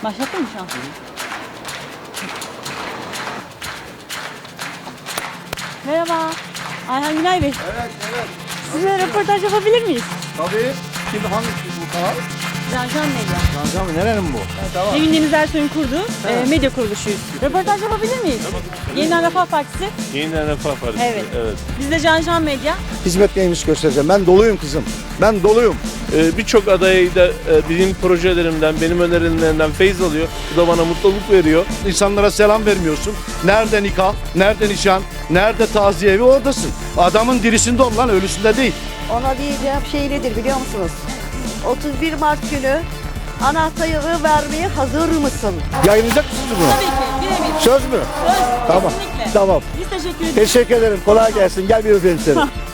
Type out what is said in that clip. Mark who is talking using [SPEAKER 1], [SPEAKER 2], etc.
[SPEAKER 1] Başlattın mı şu an? Merhaba. Ayhan Günay Bey.
[SPEAKER 2] Evet.
[SPEAKER 1] Sizinle röportaj yapabilir miyiz?
[SPEAKER 2] Tabii. Kim hangisi bu kanal?
[SPEAKER 1] Cancan Medya.
[SPEAKER 2] Cancan nerenin bu? Tamam.
[SPEAKER 1] Nevin Deniz Ersoy'un kurduğu medya kuruluşuyuz. Röportaj yapabilir miyiz? Yeniden Refah Partisi.
[SPEAKER 3] Yeniden Refah Partisi.
[SPEAKER 1] Evet.
[SPEAKER 3] Evet.
[SPEAKER 1] Biz de Cancan Medya.
[SPEAKER 2] Hizmet neymiş göstereceğim. Ben doluyum kızım. Ben doluyum.
[SPEAKER 3] Birçok aday da benim projelerimden, benim önerilerimden feyz alıyor. Bu da bana mutluluk veriyor.
[SPEAKER 2] İnsanlara selam vermiyorsun. Nerede nikah, nerede nişan, nerede taziye evi oradasın. Adamın dirisinde ol lan, ölüsünde değil.
[SPEAKER 4] Ona diyeceğim şey nedir biliyor musunuz? 31 Mart günü anahtarı vermeye hazır mısın?
[SPEAKER 2] Yayınlayacak mısınız bunu?
[SPEAKER 1] Tabii ki. Birebir.
[SPEAKER 2] Söz mü?
[SPEAKER 1] Söz.
[SPEAKER 2] Tamam.
[SPEAKER 1] Kesinlikle.
[SPEAKER 2] Tamam.
[SPEAKER 1] Biz teşekkür ederiz.
[SPEAKER 2] Teşekkür ederim. Kolay gelsin. Gel bir öpeyim seni.